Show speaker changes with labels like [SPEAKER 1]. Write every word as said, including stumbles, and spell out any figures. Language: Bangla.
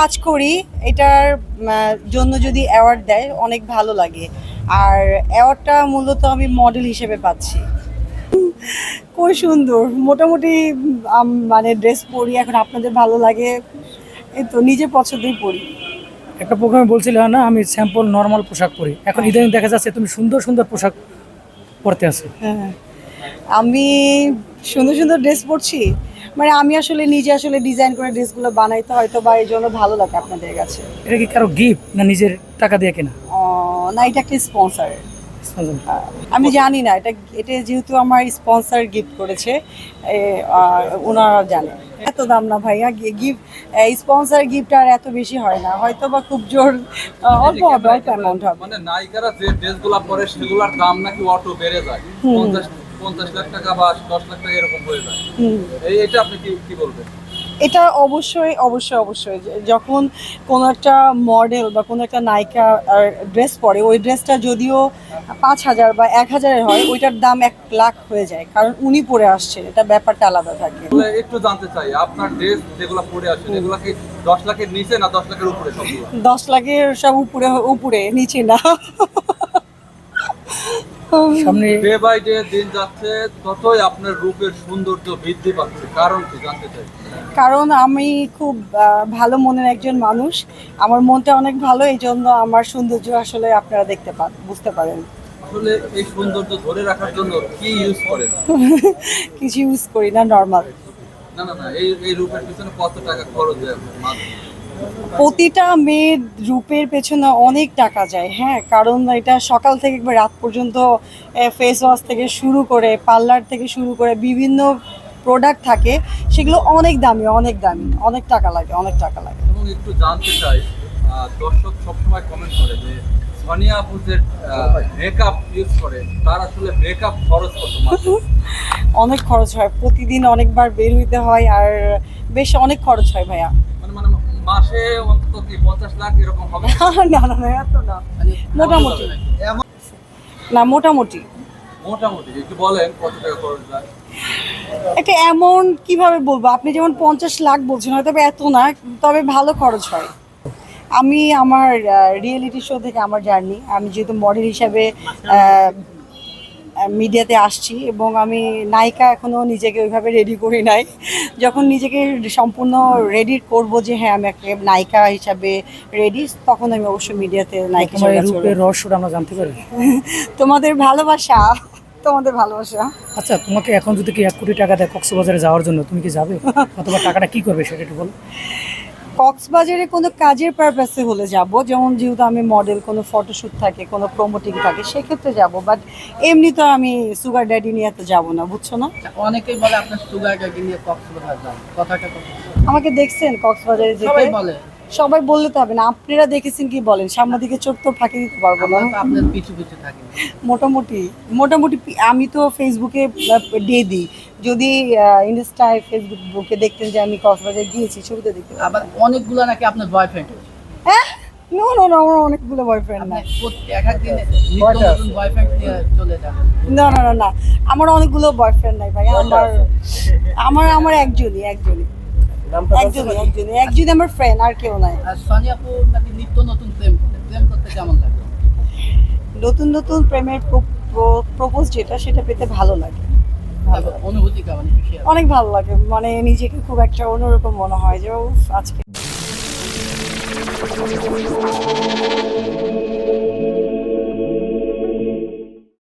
[SPEAKER 1] কাজ করি, এটার জন্য যদি অ্যাওয়ার্ড দেয় অনেক ভালো লাগে। আর অ্যাওয়ার্ডটা মূলত আমি মডেল হিসেবে পাচ্ছি। খুব সুন্দর, মোটামুটি মানে ড্রেস পরি, এখন আপনাদের ভালো লাগে এই তো, নিজের পছন্দই পরি।
[SPEAKER 2] একটা প্রোগ্রামে বলছিলে না আমি স্যাম্পল নর্মাল পোশাক পরি, এখন ইদানিং দেখা যাচ্ছে তুমি সুন্দর সুন্দর পোশাক পরতে আছে।
[SPEAKER 1] হ্যাঁ, আমি সুন্দর সুন্দর ড্রেস পরছি, মানে আমি আসলে নিজে আসলে ডিজাইন করে ড্রেসগুলো বানাইতে হয়তো বা এই জন্য ভালো লাগে আপনাদের কাছে।
[SPEAKER 2] এটা কি কারো গিফট না নিজের টাকা দিয়ে কেনা?
[SPEAKER 1] না, এটা একটা স্পন্সর। আমি জানি না, এটা এটা যেহেতু আমার স্পন্সর গিফট করেছে, ওনারা জানে। এত দাম না ভাইয়া, গিফট স্পন্সর গিফট আর এত বেশি হয় না, হয়তো বা খুব জোর অল্প হবে, অল্প অ্যামাউন্ট হবে।
[SPEAKER 3] মানে নায়িকারা যে ড্রেসগুলো পরে সেগুলোর দাম নাকি অটো বেড়ে যায়, পঞ্চাশ পঞ্চাশ লাখ টাকা বা দশ লাখ টাকা এরকম হয়ে যায়। এই এটা আপনি কি কি বলবেন?
[SPEAKER 1] এটা অবশ্যই অবশ্যই অবশ্যই যখন কোনো একটা মডেল বা কোনো একটা নায়িকা ড্রেস পরে, ওই ড্রেসটা যদিও পাঁচ হাজার বা এক হাজারের হয়, ওইটার দাম এক লাখ হয়ে যায়, কারণ উনি পরে আসছেন, এটা ব্যাপারটা আলাদা থাকে।
[SPEAKER 3] একটু জানতে চাই, আপনার ড্রেস যেগুলো পরে আসেন এগুলো কি দশ লাখের নিচে না দশ লাখের উপরে? সবগুলো
[SPEAKER 1] দশ লাখের সব উপরে, উপরে নিচে না।
[SPEAKER 2] সামনে
[SPEAKER 3] ডে বাই ডে দিন যাচ্ছে ততই আপনার রূপের সৌন্দর্য বৃদ্ধি পাচ্ছে, কারণ কি জানতে চাই?
[SPEAKER 1] কারণ আমি খুব ভালো মনের একজন মানুষ, আমার মনটা অনেক ভালো, এই জন্য আমার সৌন্দর্য আসলে আপনারা দেখতে পান, বুঝতে পারেন।
[SPEAKER 3] আসলে এই সৌন্দর্য ধরে রাখার জন্য কি ইউজ করেন?
[SPEAKER 1] কিছু ইউজ করি না, নর্মাল।
[SPEAKER 3] না না না এই এই রূপের পিছনে কত টাকা খরচ হয় আপনার মাঝে?
[SPEAKER 1] প্রতিটা মেয়ের রূপের পেছনে অনেক টাকা যায়, হ্যাঁ, কারণ এটা সকাল থেকে একবার রাত পর্যন্ত ফেস ওয়াশ থেকে শুরু করে পার্লার থেকে শুরু করে বিভিন্ন প্রোডাক্ট থাকে, সেগুলো অনেক দামি, অনেক দামি, অনেক টাকা লাগে, অনেক টাকা লাগে।
[SPEAKER 3] এবং একটু জানতে চাই, দর্শক সবসময় কমেন্ট করে যে সোনিয়া আপু যে মেকআপ ইউজ করে তার আসলে মেকআপ খরচ কত মাসে?
[SPEAKER 1] অনেক খরচ হয়, প্রতিদিন অনেকবার বের হইতে হয়, আর বেশ অনেক খরচ হয় ভাইয়া।
[SPEAKER 3] মানে মানে মাসে অন্তত কি পঞ্চাশ লাখ এরকম হবে?
[SPEAKER 1] না না না, এত না, মোটামুটি না, মোটামুটি
[SPEAKER 3] মোটামুটি একটু বলেন কত টাকা খরচ যায়?
[SPEAKER 1] একটা অ্যামাউন্ট কিভাবে বলবো, আপনি যেমন পঞ্চাশ লাখ বলছেন হয়তো এত না, তবে ভালো খরচ হয়। আমি আমার রিয়েলিটি শো থেকে আমার জার্নি, আমি যেহেতু মডেল হিসাবে মিডিয়াতে আসছি এবং আমি নায়িকা এখনও নিজেকে ওইভাবে রেডি করি নাই, যখন নিজেকে সম্পূর্ণ রেডি করব যে হ্যাঁ আমি একটা নায়িকা হিসাবে রেডি, তখন আমি অবশ্যই মিডিয়াতে নায়িকা হিসেবে কাজ করব।
[SPEAKER 2] রূপের রহস্যটা আমরা জানতে পারি?
[SPEAKER 1] তোমাদের ভালোবাসা, তোমাদের ভালোবাসা।
[SPEAKER 2] আচ্ছা, তোমাকে এখন যদি কি এক কোটি টাকা দেয় কক্সবাজারে যাওয়ার জন্য, তুমি কি যাবে? অথবা টাকাটা কি করবে সেটা একটু বলো।
[SPEAKER 1] কক্সবাজারে কোনো কাজের পারপাসে হলে যাব, যেমন যেহেতু আমি মডেল, কোনো ফটোশ্যুট থাকে, কোনো প্রমোটিং থাকে, সেক্ষেত্রে যাব, বাট এমনি তো আমি সুগার ড্যাডি নিয়ে তো যাবো না, বুঝছো না?
[SPEAKER 4] অনেকেই বলে আপনার সুগার ড্যাডি নিয়ে কক্সবাজার যান, কথাটা কত?
[SPEAKER 1] আমাকে দেখছেন কক্সবাজারে যেতে?
[SPEAKER 4] সবাই বলে।
[SPEAKER 1] সবাই বললে তো হবে না, আপনারা দেখেছেন কি বলেন, সাংবাদিকের চোখ তো ফাঁকি দিতে পারবো না।
[SPEAKER 4] আমরা তো আপনার পিছু পিছু থাকি।
[SPEAKER 1] মোটামুটি মোটামুটি আমি তো ফেসবুকে দিয়ে দিই, যদি ইনস্টায় ফেসবুকে দেখতেন যে আমি কক্সবাজার গিয়েছি, ছবিতে দেখতে।
[SPEAKER 4] আবার অনেকগুলো নাকি আপনার বয়ফ্রেন্ড।
[SPEAKER 1] হ্যাঁ, নো নো নো, আমার অনেকগুলো বয়ফ্রেন্ড না।
[SPEAKER 4] এক এক দিনে নিত্য নতুন বয়ফ্রেন্ড নিয়ে চলে যান।
[SPEAKER 1] না না না না, আমার অনেকগুলো বয়ফ্রেন্ড নাই ভাই, আমার আমার আমার একজনই, একজনই একজনই একজনই একজনই আমার ফ্রেন্ড, আর কেউ নাই।
[SPEAKER 4] আর সোনিয়া আপু নাকি নিত্য নতুন প্রেম করে, প্রেম করতে কেমন লাগে?
[SPEAKER 1] নতুন নতুন প্রেমের প্রপোজ যেটা, সেটা পেতে ভালো লাগে,
[SPEAKER 4] অনুভূতি কেমন?
[SPEAKER 1] অনেক ভালো লাগে, মানে নিজেকে খুব একটা অন্যরকম মনে হয় যে আজকে